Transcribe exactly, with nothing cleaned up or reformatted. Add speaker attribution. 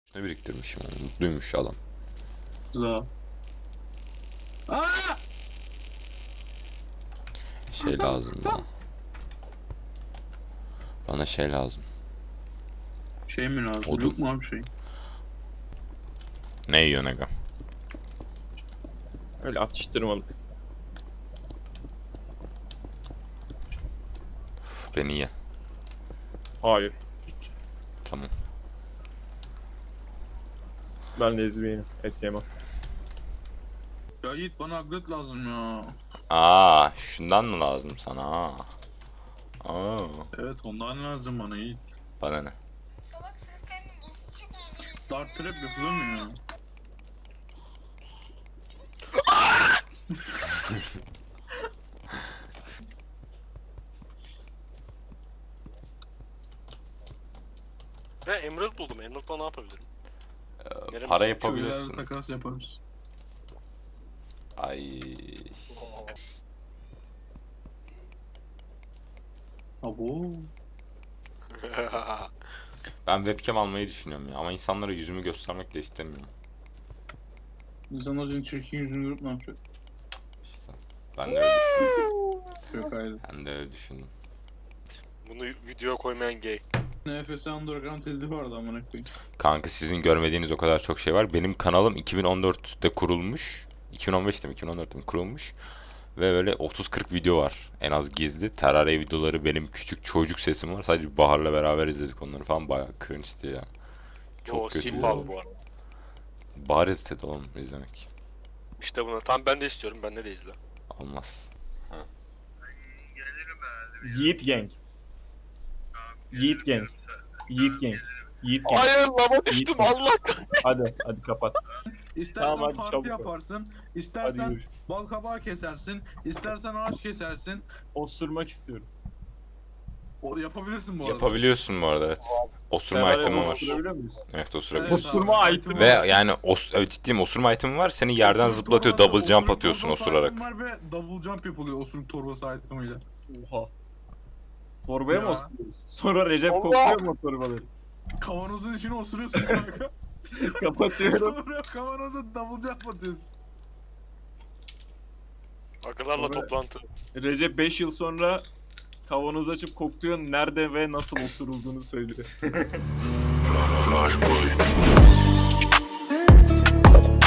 Speaker 1: Ne biriktirmişim onu. Mutluymuş adam.
Speaker 2: Za. Aa!
Speaker 1: Şey lazım bana. Bana şey lazım.
Speaker 2: Şey mi lazım?
Speaker 1: Odun.
Speaker 2: Yok mu abi şey?
Speaker 1: Ne yiyorsun aga?
Speaker 3: Öyle atıştırmalık.
Speaker 1: Uf, beni ye.
Speaker 3: Hayır.
Speaker 1: Tamam.
Speaker 3: Ben lezbiyenim. Et yemem.
Speaker 2: Ya Yiğit bana aglet lazım ya.
Speaker 1: Aa, şundan mı lazım sana? Aa. Aa.
Speaker 2: Evet ondan lazım bana Yiğit.
Speaker 1: Bana ne?
Speaker 4: Salak sistemi bozuk oldu.
Speaker 2: Dart trap yapılır mı ya?
Speaker 5: Ve Emerald buldum. Emerald'la ne yapabilirim?
Speaker 1: Ee,
Speaker 5: Yarım
Speaker 1: para
Speaker 2: Şöyle
Speaker 1: yapabilirsin.
Speaker 2: takas yaparız.
Speaker 1: Ay.
Speaker 2: Abo.
Speaker 1: Ben webcam almayı düşünüyorum ya ama insanlara yüzümü göstermek de istemiyorum.
Speaker 2: İnsanlar senin çirkin yüzünü görüp ne yapacak?
Speaker 1: İşte. Ben de öyle düşündüm.
Speaker 2: Yok hayır.
Speaker 1: Ben de öyle düşündüm.
Speaker 5: Bunu videoya koymayan gay.
Speaker 2: N F S Underground tezi vardı amına koyayım.
Speaker 1: Kanka sizin görmediğiniz o kadar çok şey var. Benim kanalım iki bin on dörtte kurulmuş. iki bin on beşte mi iki bin on dörtte mi kurulmuş. Ve böyle otuz kırk video var. En az gizli. Terraria videoları, benim küçük çocuk sesim var. Sadece Bahar'la beraber izledik onları falan. Bayağı cringe'di ya. Çok
Speaker 5: o
Speaker 1: kötü.
Speaker 5: Simbalı bu arada.
Speaker 1: Bahar istedi oğlum izlemek.
Speaker 5: İşte bunu. Tam ben de istiyorum. Bende de izle.
Speaker 1: Olmaz.
Speaker 3: Yiğit Gang. Yiğit Gang. Yiğit Gang. Yiğit Gang.
Speaker 5: Hayır lava düştüm
Speaker 3: Yiğit-
Speaker 5: Allah.
Speaker 3: Hadi hadi kapat.
Speaker 2: İstersen
Speaker 3: Tamam, hadi
Speaker 2: parti
Speaker 3: çabuk ol.
Speaker 2: yaparsın,
Speaker 3: Hadi
Speaker 2: istersen
Speaker 3: görüşürüz.
Speaker 2: bal kabağı kesersin, istersen ağaç kesersin.
Speaker 3: Osurmak istiyorum.
Speaker 2: O yapabilirsin bu arada.
Speaker 1: Yapabiliyorsun bu arada, evet. Osurma
Speaker 3: Terraria
Speaker 1: item'ı var.
Speaker 3: osurabiliyor muyuz?
Speaker 1: Evet,
Speaker 2: Evet
Speaker 1: osurabiliyorsun.
Speaker 2: abi.
Speaker 3: Osurma item'ı
Speaker 1: Ve
Speaker 3: var.
Speaker 1: yani os evet, ciddiyim, osurma item'ı var. Seni yerden
Speaker 2: Osuruk
Speaker 1: zıplatıyor.
Speaker 2: torbası-
Speaker 1: Double jump
Speaker 2: osuruk
Speaker 1: atıyorsun
Speaker 2: torbası
Speaker 1: osurarak.
Speaker 2: item var ve double jump yapılıyor osuruk torbası itemıyla.
Speaker 3: Oha. Torbaya mı
Speaker 2: Ya.
Speaker 3: osuruyoruz? Sonra Recep
Speaker 5: Allah!
Speaker 3: kokluyor mu o torbaları?
Speaker 2: Kavanozun içine osuruyorsun kanka.
Speaker 3: Kapatıyorum.
Speaker 2: Sonra kavanoza double jump atıyorsun.
Speaker 5: Akıllarla
Speaker 3: Sonra-
Speaker 5: toplantı.
Speaker 3: Recep beş yıl sonra kavanoz açıp kokluyor, nerede ve nasıl osurulduğunu söylüyor.